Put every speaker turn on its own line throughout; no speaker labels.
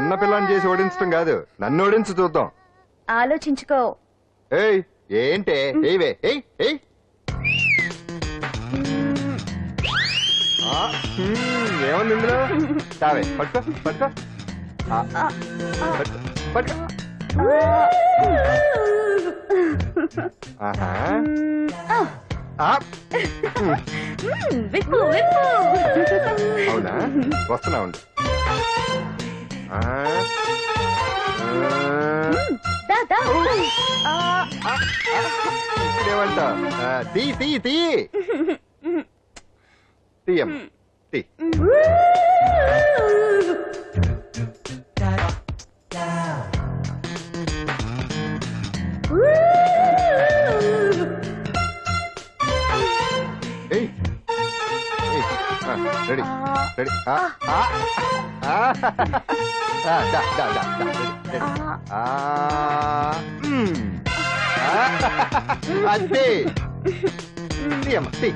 చిన్నపిల్లని చేసి ఓడించడం కాదు, నన్ను ఓడించి చూద్దాం.
ఆలోచించుకో.
ఏయ్ ఏంటే ఏవే ఏయ్ ఏయ్ ఏముంది ఇందులో? తావే పట్టుకో పట్టుకో పట్టుకో. ఆహా అవునా, వస్తున్నా ఉండు. ఇదేమంట? తీ తీ తీ తీయం తీ. రెడీ రెడీ అంతే. తీయమ్మ తీ.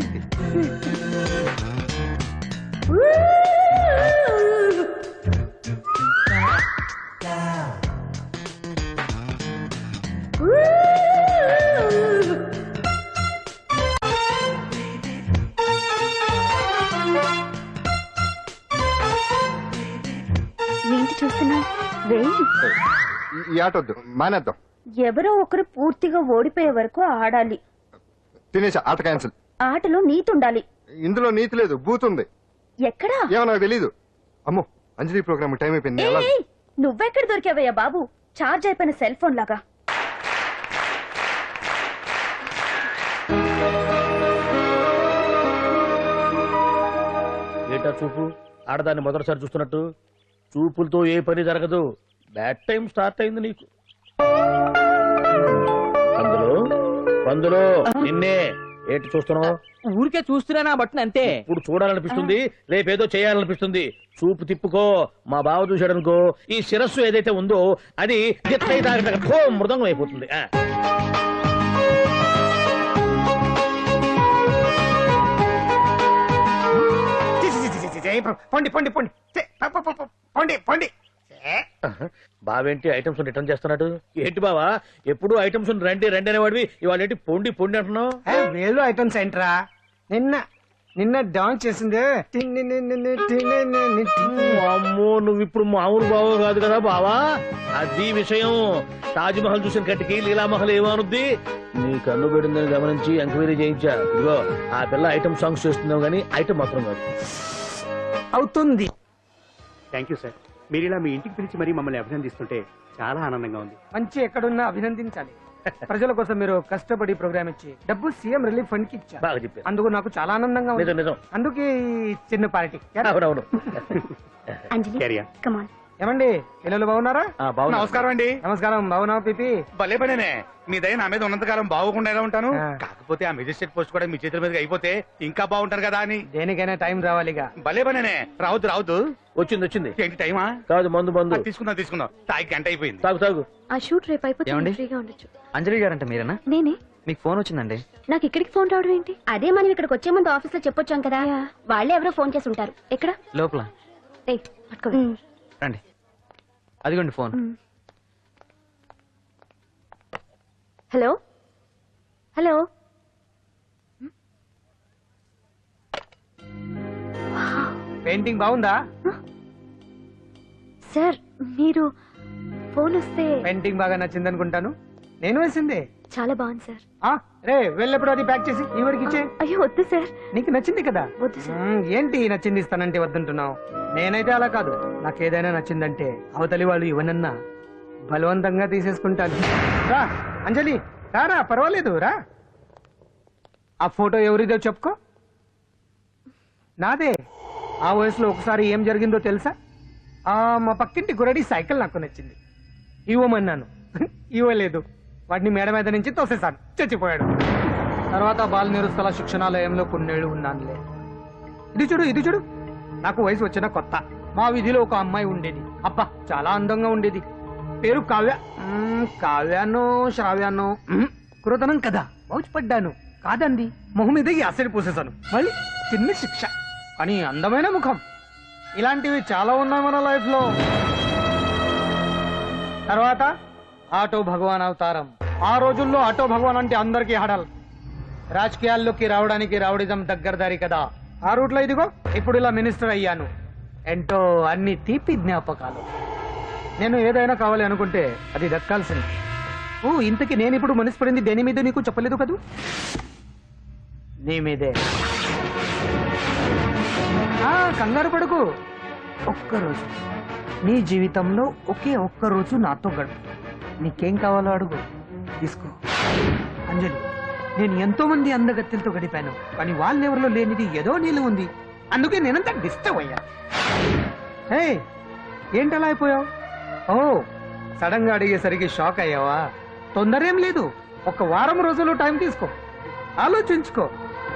ఏంటి చూస్తున్నా?
ఈ ఆట వద్దు, మానేద్దాం.
ఎవరో ఒకరు పూర్తిగా ఓడిపోయే వరకు ఆడాలి.
తినేసా, ఆట క్యాన్సిల్.
ఆటలో నీతి ఉండాలి.
ఇందులో నీతి లేదు, బూతుంది.
ఎక్కడా?
ఏమో నాకు తెలీదు. అమ్మో, అంజలి ప్రోగ్రామ్ టైం అయిపోయింది.
నువ్వెక్కడ దొరికావయ్యా బాబు? చార్జ్ అయిపోయిన సెల్ ఫోన్ లాగా.
ఏటా చూపు? ఆడదాన్ని మొదటిసారి చూస్తున్నట్టు. చూపులతో ఏ పని జరగదు. బ్యాడ్ టైం స్టార్ట్ అయింది నీకు. అందులో నిన్నే ఏటి చూస్తున్నావు?
ఊరికే చూస్తున్నానా బట్టను అంతే.
ఇప్పుడు చూడాలనిపిస్తుంది, రేపేదో చేయాలనిపిస్తుంది. చూపు తిప్పుకో. మా బావ చూశాడనుకో, ఈ శిరస్సు ఏదైతే ఉందో అది మృదంగం అయిపోతుంది.
పొండి పొండి పొండి పొండి పొండి.
బావేంటి ఐటమ్స్ రిటర్న్ చేస్తున్నాడు? ఏంటి బావా, ఎప్పుడు ఐటమ్స్ రండి రండి అనేవాడివి, ఇవాళ ఏంటి పొండి పొండి అంటున్నావు?
వేలు ఐటమ్స్ ఏంట్రా? నిన్న డాన్స్ చేసింది.
అమ్మో, నువ్వు ఇప్పుడు మామూలు బావ కాదు కదా బావా. అది విషయం. తాజ్ మహల్ చూసిన కట్టికి లీలామహల్ ఏమనుద్ది? నీ కన్ను పెట్టిందని గమనించి ఎంక్వైరీ చేయించా. ఇదిగో ఆ పిల్ల ఐటమ్ సాంగ్స్ చేస్తున్నావు గానీ ఐటమ్ మాత్రం కాదు.
అవుతుంది.
Thank you sir. మీరు ఇలా మీ ఇంటికి పిలిచి మరీ మమ్మల్ని అభినందిస్తుంటే చాలా ఆనందంగా ఉంది.
మంచి ఎక్కడున్నా అభినందించాలి. ప్రజల కోసం మీరు కష్టపడి ప్రోగ్రామ్ ఇచ్చి డబ్బు సీఎం రిలీఫ్ ఫండ్ కి ఇచ్చారు.
బాగా చెప్పారు.
అందుకు నాకు చాలా ఆనందంగా ఉంది.
నిజం.
అందుకే చిన్న పార్టీ.
అవునవును.
ఏమండి, పిల్లలు బాగున్నారా?
నమస్కారం అండి.
నమస్కారం. బాగున్నావు పిపి?
భలే పనేనే. మీ దయ నా మీద ఉన్నంతకాలం బాగోకుండా ఎలా ఉంటాను. కాకపోతే ఆ మెజిస్ట్రేట్ పోస్ట్ కూడా మీ చేతుల మీద అయిపోతే ఇంకా బాగుంటారు కదా అని.
దేనికైనా టైం రావాలిగా.
భలే పనేనే. రావద్దు.
వచ్చింది.
ఏంటి టైమా?
కాదు, మందు.
తీసుకుందాం. తాగి గంట అయిపోయింది.
తాగు.
ఆ షూట్ రేపు అయిపోతే ఫ్రీగా ఉండొచ్చు.
అంజలి గారంట మీరేనా?
నేనే.
మీకు ఫోన్ వచ్చిందండి.
నాకు ఇక్కడికి ఫోన్ రావడం ఏంటి? అదే మనం ఇక్కడికి వచ్చే ముందు ఆఫీస్ లో చెప్పొచ్చాం కదా. వాళ్ళే ఎవరో ఫోన్ చేసి ఉంటారు. ఎక్కడ?
లోపల. రండి, అదిగోండి ఫోన్.
హలో.
పెయింటింగ్ బాగుందా
సార్? మీరు ఫోన్ వస్తే
పెయింటింగ్ బాగా నచ్చింది అనుకుంటాను. నేను వేసింది.
చాలా బాగుంది సార్.
రే, వెళ్ళప్పుడు అది ప్యాక్ చేసి ఈవిడికి ఇచ్చే.
అయ్యో వద్దు సార్.
నీకు నచ్చింది కదా.
వద్దు సార్.
ఏంటి నచ్చింది ఇస్తానంటే వద్దంటున్నావు? నేనైతే అలా కాదు. నాకేదైనా నచ్చిందంటే అవతలి వాళ్ళు ఇవ్వనన్నా బలవంతంగా తీసేసుకుంటాను. రా అంజలి, రారా, పర్వాలేదు రా. ఆ ఫోటో ఎవరిదో చెప్పుకో. నాదే. ఆ వయసులో ఒకసారి ఏం జరిగిందో తెలుసా? మా పక్కింటి గురడి సైకిల్ నాకు నచ్చింది. ఇవ్వమన్నాను, ఇవ్వలేదు. వాడిని మేడ మీద నుంచి తోసేశాను, చచ్చిపోయాడు. తర్వాత బాల నిరుస్తల శిక్షణాలయంలో కొన్నేళ్లు ఉన్నానులే. ఇది చూడు. నాకు వయసు వచ్చిన కొత్త. మా వీధిలో ఒక అమ్మాయి ఉండేది. అబ్బా, చాలా అందంగా ఉండేది. పేరు కావ్యానో శ్రావ్యానో. కురతనం కదా, మౌచిపడ్డాను. కాదండి, మొహం మీద యాసిడ్ పూసేశాను. మళ్ళీ చిన్న శిక్ష, కానీ అందమైన ముఖం. ఇలాంటివి చాలా ఉన్నాయి మన లైఫ్ లో. తర్వాత ఆటో భగవాన్ అవతారం. ఆ రోజుల్లో ఆటో భగవాన్ అంటే అందరికీ హడల్. రాజకీయాల్లోకి రావడానికి రౌడిజం దగ్గరదారి కదా. ఆ రూట్లో ఇదిగో ఇప్పుడు ఇలా మినిస్టర్ అయ్యాను. ఏంటో అన్ని తీపి జ్ఞాపకాలు. నేను ఏదైనా కావాలి అనుకుంటే అది దక్కాల్సింది. ఓ ఇంతకీ నేను ఇప్పుడు మనసు పడింది దేని మీద నీకు చెప్పలేదు కదూ? నీ మీదే. కంగారు పడుకు. ఒక్కరోజు నీ జీవితంలో ఒకే ఒక్కరోజు నాతో గడుపు. నీకేం కావాలో అడుగు, తీసుకో. అంజలి, నేను ఎంతో మంది అందగత్తెలతో గడిపాను, కానీ వాళ్ళెవరిలో లేనిది ఏదో నీళ్ళు ఉంది. అందుకే నేనంతా డిస్టర్బ్ అయ్యా. హే, ఏంటలా అయిపోయావు? ఓ సడన్ గా అడిగేసరికి షాక్ అయ్యావా? తొందర ఏం లేదు, ఒక వారం రోజులు టైం తీసుకో, ఆలోచించుకో.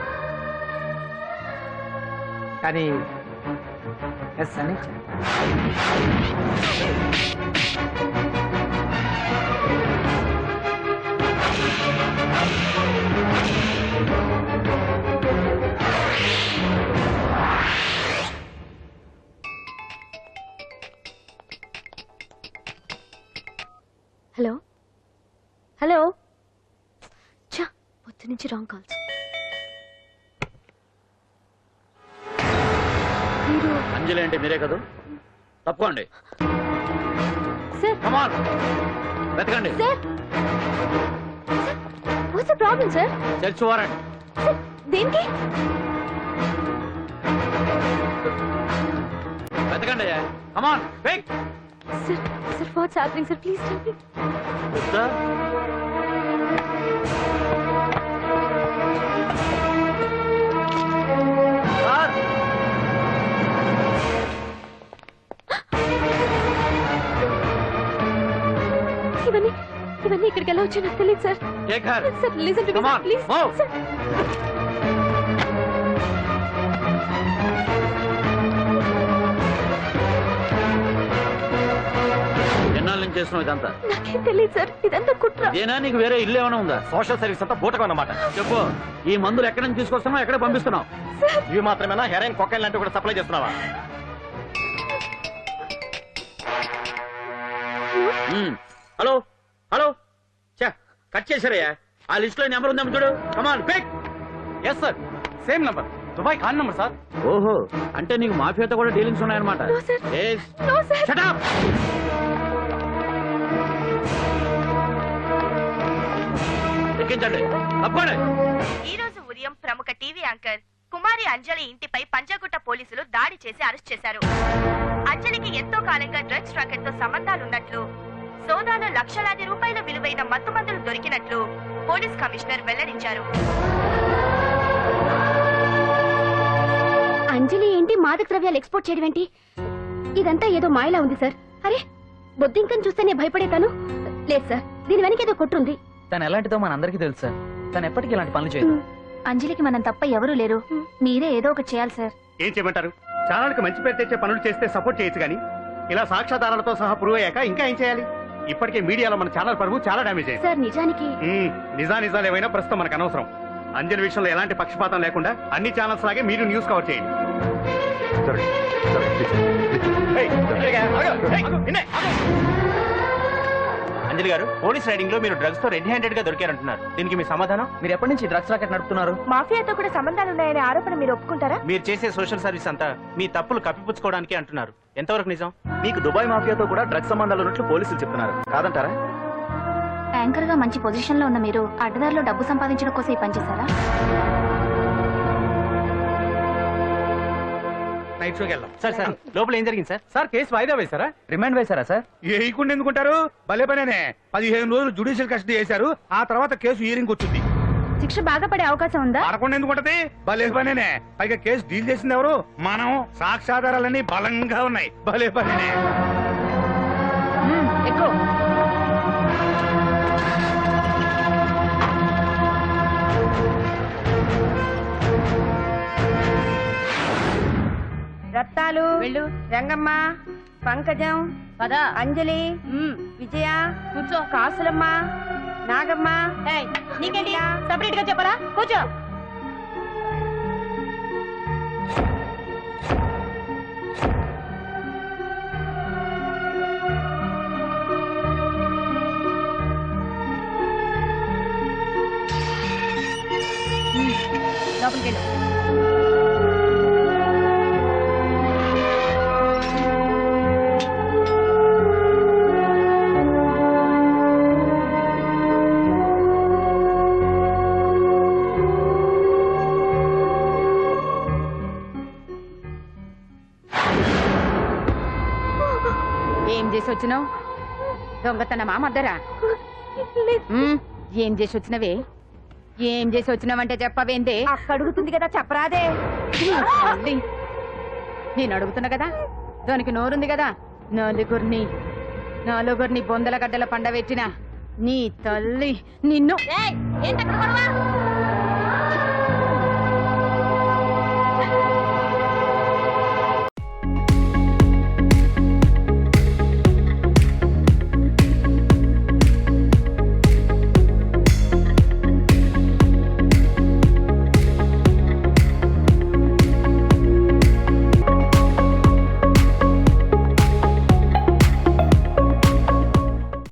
కానీ ఎస్ అని చెప్పు.
హలో హలో, చా పొద్దు నుంచి రాంగ్ కాల్స్. మీరు
అంజలి అంటే మీరే కదా? తప్పుకోండి.
సార్
కమాన్, వెతకండి.
Sir, what's the problem sir?
Search warrant.
Sir దేనికి?
వెతకండి. Come on, pick.
Sir sir what's happening sir, please tell me.
Sir
ఇవన్నీ ఇవన్నీ ఇక్కడికి ఎలా వచ్చాయో నాకు తెలియదు sir. Sir listen to me
Come on,
please.
move.
Sir
ఎన్నాళ్ళ నుంచి చేస్తున్నావు ఇదంతా?
నాకేం తెలియదు సార్, ఇదంతా కుట్ర.
ఇదేనా నీకు వేరే ఇల్లు ఏమైనా ఉందా?
సోషల్ సర్వీస్ అంతా బూటకం అన్నమాట.
చెప్పు, ఈ మందులు ఎక్కడి నుంచి తీసుకొస్తున్నావు, ఎక్కడ పంపిస్తున్నావు?
ఇవి మాత్రమేనా? హెరైన్, కొకైన్ లాంటివి కూడా సప్లై చేస్తున్నావా?
హలో హలో, కట్ చేశారయ్యా. ఆ లిస్ట్ లో నెంబర్ ఉందేమో చూడు. Come on, pick.
Yes sir, same number, Dubai Khan number sir.
ఓహో, అంటే నీకు మాఫియాతో కూడా డీలింగ్స్ ఉన్నాయన్నమాట.
No, sir. No, sir.
Shut up! ఎక్కించండి, తప్పండి.
ఈ రోజు ఉదయం ప్రముఖ టీవీ యాంకర్ కుమారి అంజలి ఇంటిపై పంజాగుట్ట పోలీసులు దాడి చేసి అరెస్ట్ చేశారు. అంజలికి ఎంతో కాలంగా డ్రగ్స్ రాకెట్ తో సంబంధాలున్నట్లు, సోదాలో లక్షలాది రూపాయల విలువైన మత్తుమందులు దొరికినట్లు పోలీస్ కమిషనర్ వెల్లడించారు.
అంజలి ఏంటి మాదక ద్రవ్యాలు ఎక్స్పోర్ట్ చేయడం ఏంటి? ఇదంతా ఏదో మాయలా ఉంది సార్. అరే బొద్దింకని చూస్తేనే భయపడేతాను. లేదు సార్, దీని వెనక ఏదో కొట్టుంది.
తను ఎలాంటిదో మనందరికీ తెలుసు సార్. తను ఎప్పటికీ ఇలాంటి పనులు చేయదు.
అంజలికి మనం తప్ప ఎవరూ లేరు. మీరే ఏదో ఒకటి చేయాలి సార్.
ఏం చేయమంటారు? ఛానల్కి మంచి పేరు తెచ్చే పనులు చేస్తే సపోర్ట్ చేయొచ్చు కానీ ఇలా సాక్ష్యాధారాలతో సహా ప్రూవ్ అయ్యాక ఇంకా ఏం చేయాలి? ఇప్పటికే మీడియాలో మన ఛానల్ పరువు చాలా డ్యామేజ్ అయింది.
సార్ నిజానికి
నిజాలు ఏమైనా ప్రస్తుతం మనకు అనవసరం. అంజలి విషయంలో ఎలాంటి పక్షపాతం లేకుండా అన్ని ఛానల్స్ లాగే మీరు న్యూస్ కవర్ చేయండి. అంజలి గారు, పోలీస్ రైడింగ్ లో మీరు డ్రగ్స్ తో రెడ్ హ్యాండెడ్ గా దొరికారంటున్నారు. దీనికి మీ సమాధానం?
మీరు ఎప్పటి నుంచి డ్రగ్స్ రాకెట్ నడుపుతున్నారు?
మాఫియాతో కూడా సంబంధాలున్నాయనే ఆరోపణ మీరు ఒప్పుకుంటారా?
మీరు చేసే సోషల్ సర్వీస్ అంతా మీ తప్పులు కప్పిపుచ్చుకోవడానికి అంటున్నారు. ఎంతవరకు నిజం?
మీకు దుబాయ్ మాఫియాతో కూడా డ్రగ్స్ సంబంధాలు ఉన్నట్లు పోలీసులు చెప్తున్నారు, కాదంటారా?
యాంకర్ గా మంచి పొజిషన్ లో ఉన్న మీరు అడ్డదారిలో డబ్బు సంపాదించడం కోసం ఈ పని చేశారా?
నైట్ షోకి వెళ్దాం.
సార్ సార్, లోపల ఏం జరిగింది సార్?
సార్ కేసు వాయిదా వేశారా?
రిమాండ్ వేశారా సార్?
వేయకుండా ఎందుకుంటారు? భలే పనేనే. 15 రోజులు జుడిషియల్ కస్టడీ చేశారు. ఆ తర్వాత కేసు హియరింగ్ వచ్చింది.
శిక్ష బాగా పడే అవకాశం ఉందా?
పడకుండా ఎందుకుంటది? భలే పనేనే. పైగా కేసు డీల్ చేసింది ఎవరు? మనం. సాక్ష్యాధారాలన్నీ బలంగా ఉన్నాయి. భలే పనేనే.
ఎక్కువ
రత్తాలు, రంగమ్మ, పంకజం, అంజలి, విజయ, కూర్చో, కాసులమ్మ, నాగమ్మ. నీకేంటి సపరేట్ గా చెప్పరా? కూర్చో.
లోపలికి వెళ్ళు. ఏం చేసి వచ్చినావు? దొంగతనమా మద్దరా? ఏం చేసి వచ్చినవే? ఏం చేసి వచ్చినావంటే చెప్పవేందే? అక్క అడుగుతుంది కదా, చెప్పరాదే. తల్లి, నేను అడుగుతున్నా కదా, దానికి నోరుంది కదా. నలుగురిని బొందల గడ్డల పండబెట్టిన నీ తల్లి నిన్ను.